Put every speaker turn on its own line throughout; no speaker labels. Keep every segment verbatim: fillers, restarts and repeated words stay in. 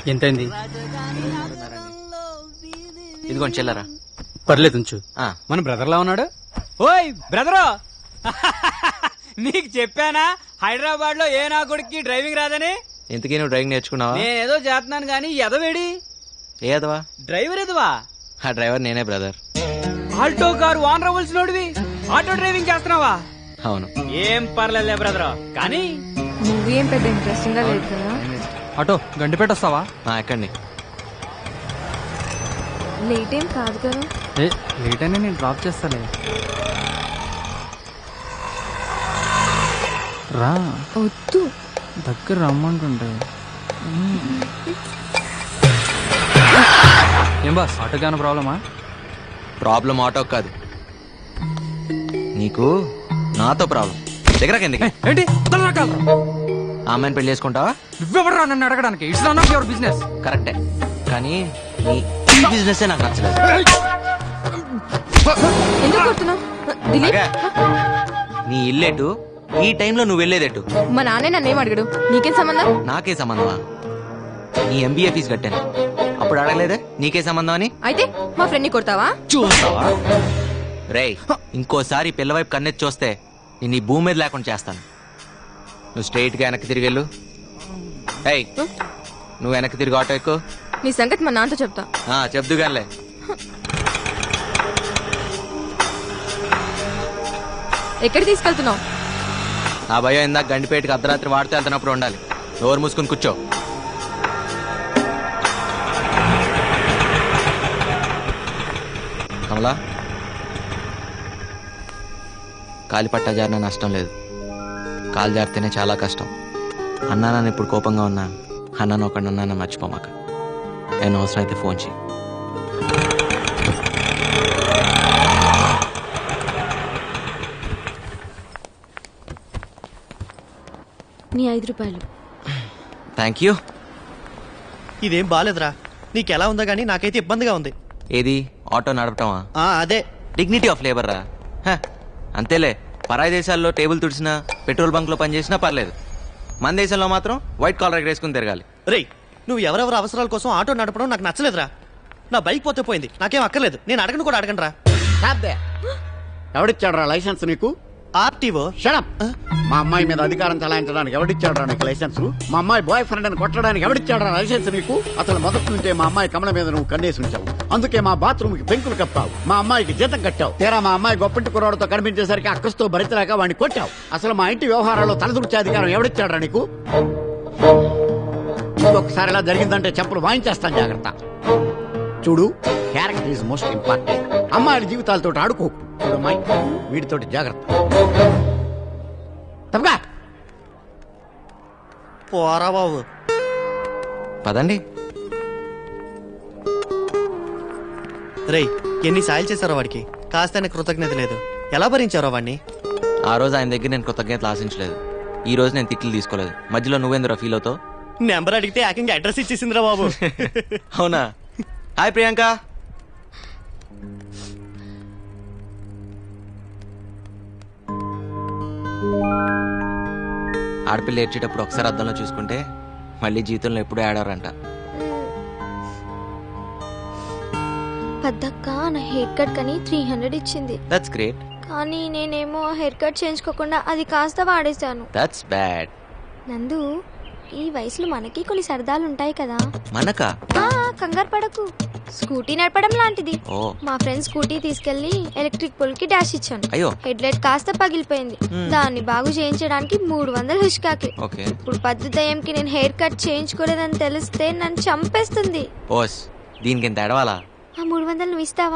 ఎంతైంది?
ఇదిగోండి చెల్లరా.
పర్లేదు ఉంచు.
మన బ్రదర్ లా ఉన్నాడు. ఓయ్ బ్రదరు, నీకు చెప్పానా హైదరాబాద్ లో ఏ నా కొడుక్కి డ్రైవింగ్ రాదని?
ఇంతకీ నువ్వు డ్రైవింగ్ నేర్చుకున్నావా?
నేనేదో చేస్తున్నాను గానీ ఎదవేడి
ఏ ఎదవా?
డ్రైవర్ ఎదవా?
ఆ డ్రైవర్ నేనే బ్రదర్.
ఆల్టో కారు వాన్ రవల్స్ నోడివి ఆటో డ్రైవింగ్ చేస్తున్నావా?
అవును.
ఏం పర్లేదులే బ్రదర్, కానీ
మూవీ ఏం పెద్ద ఇంట్రెస్టింగ్ గా లేదు కదా.
ఆటో గండిపేట వస్తావా?
ఎక్కండి.
లేట్ ఏం కాదు కదా.
ఏ లేట్ అయినా నేను డ్రాప్ చేస్తాలే. రా.
వద్దు,
దగ్గర రమ్మంటుంటే. ఏం బాస్, ఆటోకి ఏమైనా ప్రాబ్లమా?
ప్రాబ్లం ఆటో కాదు, నీకు నాతో ప్రాబ్లం. దగ్గర కిందకి
ఏంటి
ఆ అమ్మాయిని పెళ్లి చేసుకుంటావా?
నువ్వెవడరా నన్ను అడగడానికి? It's not your business.
కరెక్టే, కానీ నీ బిజినెస్ నాకు నచ్చలేదు.
ఎందుకు కొడుతున్నావు దిలీప్?
అగా, నీ ఇల్లేటు, ఈ టైంలో నువ్వు వెళ్ళేదేటు?
మా నాన్నే నన్నేం అడగడు, నీకేం సంబంధం?
నాకే సంబంధమా? నీ ఎంబీఏ ఫీజు కట్టాను, అప్పుడు అడగలేదే నీకే సంబంధం అని?
అయితే మా ఫ్రెండ్ ని కొడతావా?
చూస్తావా రేయ్, ఇంకోసారి పిల్లవైపు కన్నెత్తి చూస్తే నేను ఈ భూమి మీద లేకుండా చేస్తాను. నువ్వు స్ట్రైట్ గా వెనక్కి తిరిగి వెళ్ళు. ఏయ్, నువ్వు వెనక్కి తిరిగి ఆటో ఎక్కు.
నీ సంగతి మా నాన్నతో చెప్తా.
చెప్దు గానిలే.
ఎక్కడికి తీసుకెళ్తున్నావు?
ఆ భయం ఇందాక గండిపేటకి అర్ధరాత్రి వాడితే వెళ్తున్నప్పుడు ఉండాలి. నోరు మూసుకుని కూర్చో. కమలా, కాలి పట్టా జారిన నష్టం లేదు, కాలు జారితేనే చాలా కష్టం. అన్నా నన్ను ఇప్పుడు కోపంగా ఉన్నా, అన్నాను ఒకటి అన్నాను మర్చిపోమాక. నేను అవసరం అయితే ఫోన్ చేయి.
నీ ఐదు రూపాయలు.
Thank you.
ఇదేం బాలేదురా, నీకెలా ఉందో గానీ నాకైతే ఇబ్బందిగా ఉంది.
ఏది ఆటో నడపటమా?
అదే
డిగ్నిటీ ఆఫ్ లేబర్ రా. హ, అంతేలే. పరాయి దేశాల్లో టేబుల్ తుడిచినా, పెట్రోల్ బంక్ లో పనిచేసినా పర్లేదు. మన దేశంలో మాత్రం వైట్ కాలర్ ఎగరేసుకుని తిరగాలి.
రేయ్, నువ్వు ఎవరెవరి అవసరాల కోసం ఆటో నడపడం నాకు నచ్చలేదురా. నా బైక్ పోతే పోయింది, నాకేం అక్కర్లేదు. నేను అడగను కూడా అడగను రా.
ఎవడిచ్చాడు రా లైసెన్స్ నీకు?
ఆర్టీఓ.
షడప్. మా అమ్మాయి మీద అధికారం చలాయించడానికి ఎవడిచ్చాడు రా నీకు లైసెన్స్? మా అమ్మాయి బాయ్ ఫ్రెండ్ అని కొట్టడానికి ఎవడిచ్చాడు రా లైసెన్స్ నీకు? అసలు మొదటి నుంచే మా అమ్మాయి కమల మీద నువ్వు కన్నేసి ఉంచావు. అందుకే మా బాత్రూమ్ కి పెంకులు కప్పావు, మా అమ్మాయికి జీతం కట్టావు. తీరా మా అమ్మాయి గొప్పంటి కుర్రాడితో కనిపించేసరికి అక్కస్తో భరితలేక వాడిని కొట్టావు. అసలు మా ఇంటి వ్యవహారాల్లో తలదూర్చే అధికారం ఎవడిచ్చాడు రా నీకు? ఇంకొకసారి ఇలా జరిగిందంటే చెప్పులు వాయించేస్తాను, జాగ్రత్త. చూడు, క్యారెక్టర్ ఈజ్ మోస్ట్ ఇంపార్టెంట్. అమ్మాయిల జీవితాలతో ఆడుకో. అమ్మాయి వీటితోటి జాగ్రత్త. తప్పగా
పోరా బాబు.
పదండి.
రేయ్, ఎన్ని సాయాలు చేశారో వాడికి, కాస్త కృతజ్ఞత లేదు. ఎలా భరించారో వాడిని?
ఆ రోజు ఆయన దగ్గర నేను కృతజ్ఞతలు ఆశించలేదు, ఈ రోజు నేను తిట్లు తీసుకోలేదు. మధ్యలో నువ్వేందురా ఫీల్ అవుతావు?
నెంబర్ అడిగితే ఏకంగా అడ్రస్ ఇచ్చేసిందిరా బాబు.
అవునా? హాయ్ ప్రియాంక. ఆడపిల్ల ఏడ్చేటప్పుడు ఒకసారి అద్దంలో చూసుకుంటే మళ్ళీ జీవితంలో ఎప్పుడూ ఆడారంట.
పెద్దక్క నా హెయిర్ కట్ కని త్రీ హండ్రెడ్ ఇచ్చింది.
That's great.
కానీ నేనేమో హెయిర్ కట్ చేయించుకోకుండా అది కాస్త వాడేశాను.
That's bad.
నందు, ఈ వయసులో మనకి కొన్ని సరదాలు ఉంటాయి కదా.
మనకా?
కంగారు పడకు, స్కూటీ నడపడం లాంటిది.
ఓ.
మా ఫ్రెండ్ స్కూటీ తీసుకెళ్లి ఎలక్ట్రిక్ పోల్ కి డాష్ ఇచ్చాను.
అయ్యో.
హెడ్ లైట్ కాస్త పగిలిపోయింది. దాన్ని బాగు చేయించడానికి మూడు వందలు హుష్కాకి.
ఓకే.
ఇప్పుడు పద్దు దయ్యంకి నేను హెయిర్ కట్ చేయించుకోలేదని తెలిస్తే నన్ను చంపేస్తుంది.
ఓస్, దీనికి ఎంత ఎడవాలా?
ఆ మూడు వందలు నువ్వు ఇస్తావా?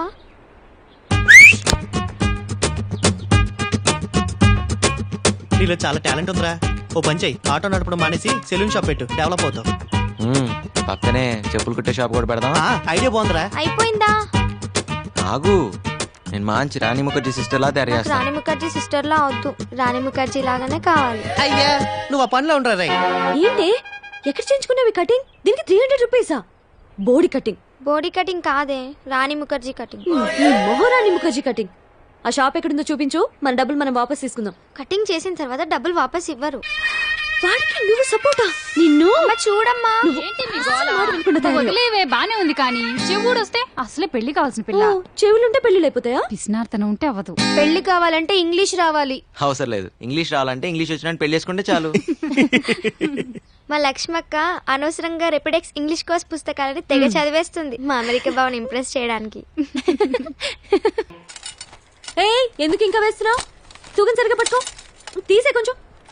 నీలో చాలా టాలెంట్ ఉందిరా. ఓ పని చెయ్యి, ఆటో నడపడం మానేసి సెలూన్ షాప్ పెట్టు, డెవలప్ అవుతావు.
పక్కనే చెప్పులు కుట్టే షాప్ కూడా పెడదామా?
ఐడియా బాగుందిరా.
అయిపోయిందా?
ఆగు, నేను మంచి రాణి ముఖర్జీ సిస్టర్ లా తయారు చేస్తాను.
రాణి ముఖర్జీ సిస్టర్ లా అవద్దు, రాణి ముఖర్జీ లాగానే కావాలి.
అయ్యా, నువ్వు ఆ పనిలో ఉండరా రే.
ఏంటి ఎక్కడ చేయించుకున్నావి కటింగ్? దీనికి త్రీ హండ్రెడ్ రూపీసా? బోడీ కటింగ్?
బోడీ కటింగ్ కాదే, రాణి ముఖర్జీ కటింగ్.
ఈ మొహరాణి ముఖర్జీ కటింగ్. ఆ షాప్ ఎక్కడుందో చూపించు, మన డబ్బులు మనం వాపస్ తీసుకుందాం.
కటింగ్ చేసిన తర్వాత డబ్బులు వాపస్ ఇవ్వరు.
వాడికి నువ్వు సపోర్టా? నిన్ను
చూడమ్మా.
ఏంటి మీ గోల?
మాట వినకుండా తయారయ్యావు.
వదిలేవే బానే ఉంది కానీ శివుడు వస్తే అసలే పెళ్లి కావాల్సిన పిల్ల.
ఓ, చెవులుంటే పెళ్లిళ్ళు అయిపోతాయా?
పిసినార్తనం ఉంటే అవ్వదు.
పెళ్లి కావాలంటే ఇంగ్లీష్ రావాలి.
అవసరం లేదు, ఇంగ్లీష్ రావాలంటే ఇంగ్లీష్ వచ్చినట్టు పెళ్లి చేసుకుంటే చాలు.
మా లక్ష్మక్క అనవసరంగా రెపిడెక్స్ ఇంగ్లీష్ కోర్స్ పుస్తకాలని తెగ చదివేస్తుంది మా అమెరికా బావని ఇంప్రెస్ చేయడానికి.
ఏయ్, ఎందుకు ఇంకా వేస్తున్నావు? తూకం సరిగా పట్టుకో, తీసే కొంచెం.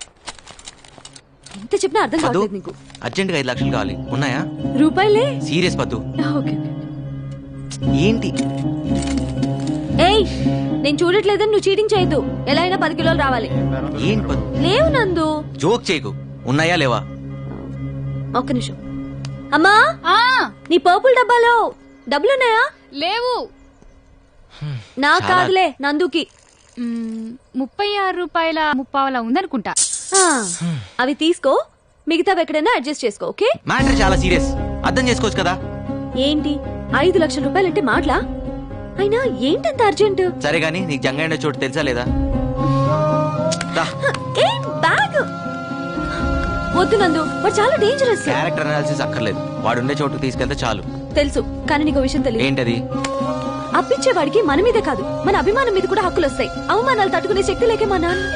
ఎంత చెప్పినా అర్థం
పద్దు
కావట్లేదు నీకు.
అర్జెంట్ గా ఐదు లక్షలు కావాలి, ఉన్నాయా?
రూపాయలే.
సీరియస్ పద్దు.
ఓకే.
ఏంటి?
ఏయ్, నేను చూడట్లేదని నువ్వు చీటింగ్ చేయొద్దు. ఎలా అయినా పది కిలోలు రావాలి.
ఏంటి పద్దు?
లేవు నందు.
జోక్ చేయకు, ఉన్నాయా లేవా?
ఒక్క నిమిషం. అమ్మా,
ఆ
నీ పర్పుల్ డబ్బాలో డబ్బులున్నాయా?
లేవు.
నా
చాలా.
కాదులే, నందుకి.
మ్, ముప్పై ఆరు రూపాయల ముప్పావలా ఉందనుకుంటా.
ఆ, అవి తీసుకో, మిగతావి ఎక్కడైనా అడ్జస్ట్ చేసుకో. ఓకే?
మ్యాటర్ చాలా సీరియస్, అర్థం చేసుకోవచ్చు కదా.
ఏంటి ఐదు లక్షల రూపాయలంటే మాటలా? అయినా ఏంటంత అర్జెంట్?
సరే గానీ నీకు జంగైన చోటు తెలుసా లేదా? రా.
ఏ బ్యాగ్ వద్దు నందు, వాడు చాలా డేంజరస్.
క్యారెక్టర్ అనాలిసిస్ అక్కర్లేదు, వాడు ఉండే చోటుకు తీసుకెళ్తే చాలు.
తెలుసు, కానీ నీకు విషయం తెలియదు.
ఏంటది?
అప్పించేవాడికి మన మీదే కాదు, మన అభిమానం మీద కూడా హక్కులు వస్తాయి. అవమానాలు తట్టుకునే శక్తి లేకే మా నాన్న.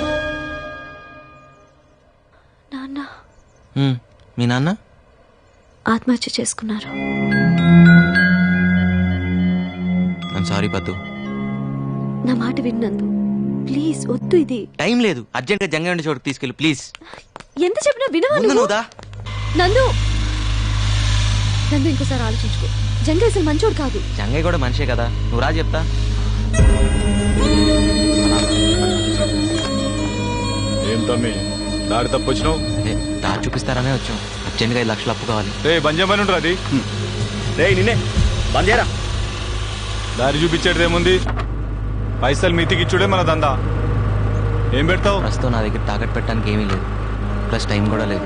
నాన్న
హ్మ్, మీ నాన్న
ఆత్మహత్య చేసుకున్నారు.
ఐమ్ సారీ పద్దు.
నా మాట విన్నందు, ప్లీజ్ వద్దు. ఇది
టైం లేదు, అర్జెంట్ గా జంగ ఉండే చోటుకు తీసుకెళ్ళి ప్లీజ్.
ఎంత చెప్పినా వినవా
ముందు
నువ్వు?
నువ్వు దా.
నందు నందు ఇంకోసారి ఆలోచించుకో. జంగ అసలు మంచోడు కాదు.
జంగయ్య కూడా మనిషే కదా, నువ్వు రా చెప్తా.
ఏం తమ్మి దారి తప్పొచ్చినావు?
ఏ, దారి చూపిస్తారనే వచ్చాం. అర్జెంట్ గా ఐదు లక్షలు అప్పు కావాలి.
రే బంజమని ఉండరు అది.
రే నిన్నే బందేరా.
దారి చూపించేది ఏముంది? పైసలు మీతికిచ్చుడే మన దందా. ఏం పెడతావు?
ప్రస్తుతం నా దగ్గర తాకట్టు పెట్టడానికి ఏమీ లేదు, ప్లస్ టైం కూడా లేదు.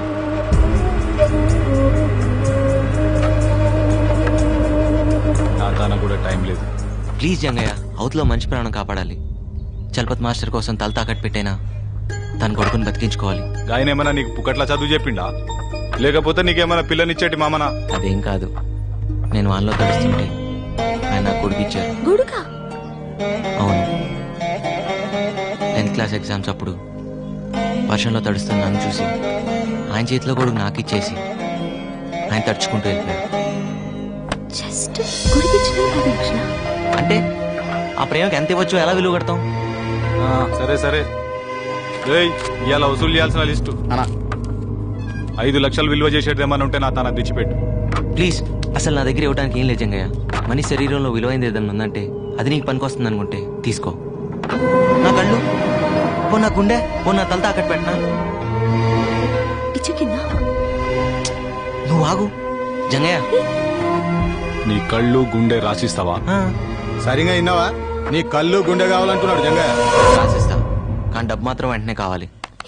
నా తాన కూడా టైం లేదు.
ప్లీజ్ జంగయ్య, అవతలో మంచి ప్రాణం కాపాడాలి. చలపత్ మాస్టర్ కోసం తల తాకట్టు పెట్టైనా తన కొడుకుని బతికించుకోవాలి.
ఆయన ఏమన్నా నీకు పుకట్లా చదువు చెప్పిండా, లేకపోతే నీకేమన్నా పిల్లనిచ్చేటి మామనా?
అదేం కాదు, నేను వానలో తడుస్తుంటే ఆయన నాకు కొడుకు ఇచ్చారు.
గొడుగా?
అవును, టెన్త్ క్లాస్ ఎగ్జామ్స్ అప్పుడు వర్షంలో తడుస్తున్న నన్ను చూసి ఆయన చేతిలో కొడుకు నాకు ఇచ్చేసి ఆయన తడుచుకుంటూ వెళ్ళిపోయారు.
జస్ట్ గుడికిచ్చిన పది లక్షల.
అంటే ఆ ప్రేమకి ఎంత ఇవ్వచ్చు, ఎలా విలువ కడతాం?
ఆ, సరే సరే. రేయ్, ఇవాళ వసూలు చేయాల్సిన లిస్టు
అనా
ఐదు లక్షలు విలువ చేసేది ఏమన్నా ఉంటే నా తాన తెచ్చిపెట్టు.
ప్లీజ్, అసలు నా దగ్గర ఇవ్వడానికి ఏం లేదు జంగయ్య. మనిషి శరీరంలో విలువైంది ఏదన్నా ఉందంటే అది నీకు పనికొస్తుంది అనుకుంటే తీసుకో. నా కళ్ళు పో, నా గుండె పో, నా తల తాకట్టు పెట్టినా.
ఇచ్చే కింద
నువ్వు ఆగు జంగయ్య.
నీ కళ్ళు గుండె రాసిస్తావా?
ఆ,
సరిగా విన్నావా? నీ కళ్ళు గుండె కావాలంటున్నాడు జంగయ్య.
రాసిస్తా, కానీ డబ్బు మాత్రం వెంటనే కావాలి.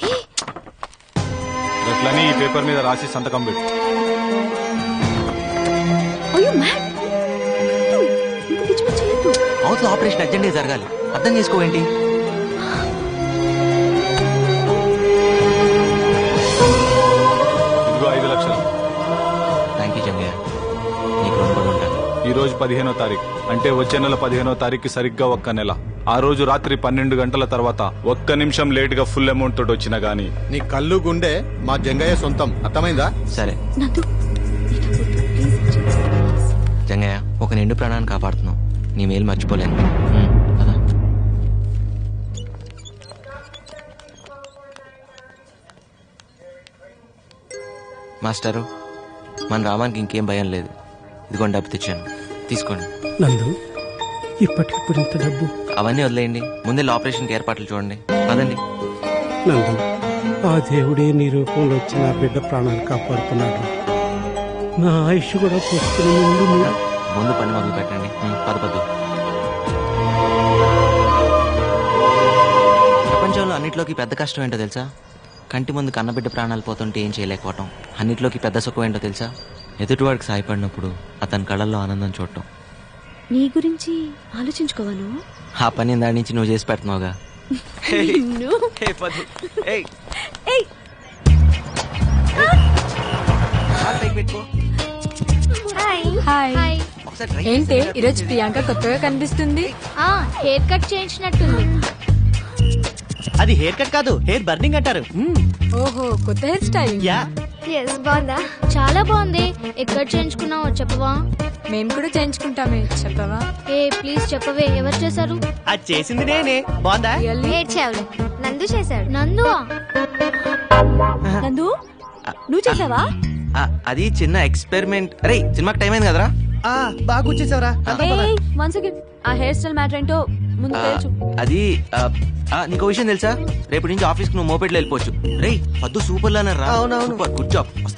అట్లని ఈ పేపర్ మీద రాసి సంతకం పెట్టు.
అయ్యో మ్యాడ్, ఇంత పిచ్చి పిచ్చి చేయొద్దు.
అవతల ఆపరేషన్ అర్జెంట్గా జరగాలి, అర్థం చేసుకోవేంటి?
ఇదిగో ఐదు లక్షలు.
థ్యాంక్ యూ జంగయ్య, నీకు రుణపడి ఉంటాను.
ఈ రోజు పదిహేనో తారీఖు అంటే వచ్చే నెల పదిహేనో తారీఖు సరిగ్గా ఒక్క నెల. ఆ రోజు రాత్రి పన్నెండు గంటల తర్వాత ఒక్క నిమిషం లేట్ గా ఫుల్ అమౌంట్ తోటి వచ్చినా గానీ నీ కళ్ళు గుండె మా జంగయ్య సొంతం. అర్థమైందా?
సరే
నందు, ఈ డబ్బు వద్దు, ప్లీజ్.
జంగయ్య, ఒక నిండు ప్రాణాన్ని కాపాడుతున్నావు, నీ మేలు మర్చిపోలేను. ఉమ్, పద. మాస్టరు, మన రామానికి ఇంకేం భయం లేదు. ఇదిగోండి డబ్బు తెచ్చాను, తీసుకోండి.
నందు, ఇప్పటికిప్పుడు ఇంత డబ్బు?
అవన్నీ వదిలేయండి, ముందే ఆపరేషన్కి ఏర్పాట్లు చూడండి. పదండి.
నందు, ఆ దేవుడే నీ రూపంలో వచ్చి నా బిడ్డ ప్రాణాలు కాపాడుతున్నాడు. నా ఆయుష్ కూడా పోస్తున్న ముందు నువ్వు
ముందు పని మొదలు పెట్టండి. ఉమ్, పద పద్దు. ప్రపంచంలో అన్నిట్లోకి పెద్ద కష్టం ఏంటో తెలుసా? కంటి ముందు కన్నబిడ్డ ప్రాణాలు పోతుంటే ఏం చేయలేకపోవటం. అన్నిట్లోకి పెద్ద సుఖం ఏంటో తెలుసా? ఎదుటివాడికి సాయపడినప్పుడు అతని కళ్ళల్లో ఆనందం చూడటం.
నీ గురించి ఆలోచించుకోవాను.
ఆ పని దాని నుంచి నువ్వు చేసి పెడుతున్నావుగా.
నిన్ను.
ఏయ్, పద్దు. ఏయ్.
ఏయ్.
ఒకసారి try
ఏంటి
చేస్తే
ఈరోజు ప్రియాంక కొత్తగా కనిపిస్తుంది?
ఆ హెయిర్ కట్ చేయించినట్టుంది.
అది హెయిర్ కట్ కాదు, హెయిర్ బర్నింగ్ అంటారు.
ఓహో, కొత్త హెయిర్ స్టైల్.
యా
ఎస్ బాగుందా? చాలా బాగుంది. ఎక్కడ చేయించుకున్నావో చెప్పవా?
మేము కూడా చేయించుకుంటామే, చెప్పవా?
ఏ ప్లీజ్ చెప్పవే, ఎవరు చేశారు?
అది చేసింది నేనే. బాగుందా?
ఏడ్చావులే. నందు చేశాడు. నందువా?
నందు నువ్వు చేసావా?
ఆ, అది చిన్న ఎక్స్పెరిమెంట్. అరే సినిమాకి టైం అయింది కదరా.
ఆ, బాగా వచ్చేసావరా.
వన్ సెకండ్, ఆ హెయిర్ స్టైల్ మ్యాటర్ ఏంటో ముందు
ఆ,
తెలుసు.
అది ఆ, ఆ, నీకు విషయం తెలుసా? రేపటి నుంచి ఆఫీస్ కి నువ్వు మోపెట్లో వెళ్ళిపోవచ్చు. రే పద్దు సూపర్ లానే రా.
అవునవును.
Super, good job. వస్తా.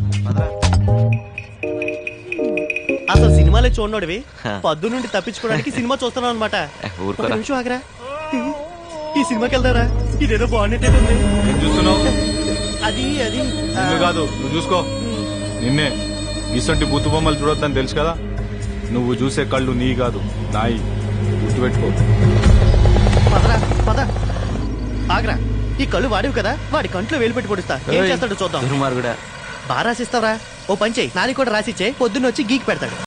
అసలు సినిమాలే చూడనోడివి పద్దు నుండి తప్పించుకోవడానికి సినిమా చూస్తున్నావు అనమాట.
ఏ, ఊరుకోరా.
నిమిషం ఆగరా. ఈ సినిమాకి వెళ్తారా? ఇదేదో బాగున్నట్టే ఉంది.
ఏం చూస్తున్నావు?
అది అది ఆ,
నిన్ను కాదు, నువ్వు చూసుకో. నిన్నే. ఇసంటి బుత్తు బొమ్మలు చూడొద్దని తెలుసు కదా. నువ్వు చూసే కళ్ళు నీ కాదు, నాయి. గుర్తుపెట్టుకో.
పదరా పద. ఆగరా. ఈ కళ్ళు వాడివి కదా, వాడి కంట్లో వేలు పెట్టి పొడుస్తా. ఏం చేస్తాడో చూద్దాం.
దుర్మార్గుడా.
బాగా రాసిస్తావరా? ఓ పని చెయ్యి, నాది కూడా రాసిచ్చే, పొద్దున్న వచ్చి గీకి పెడతాడు.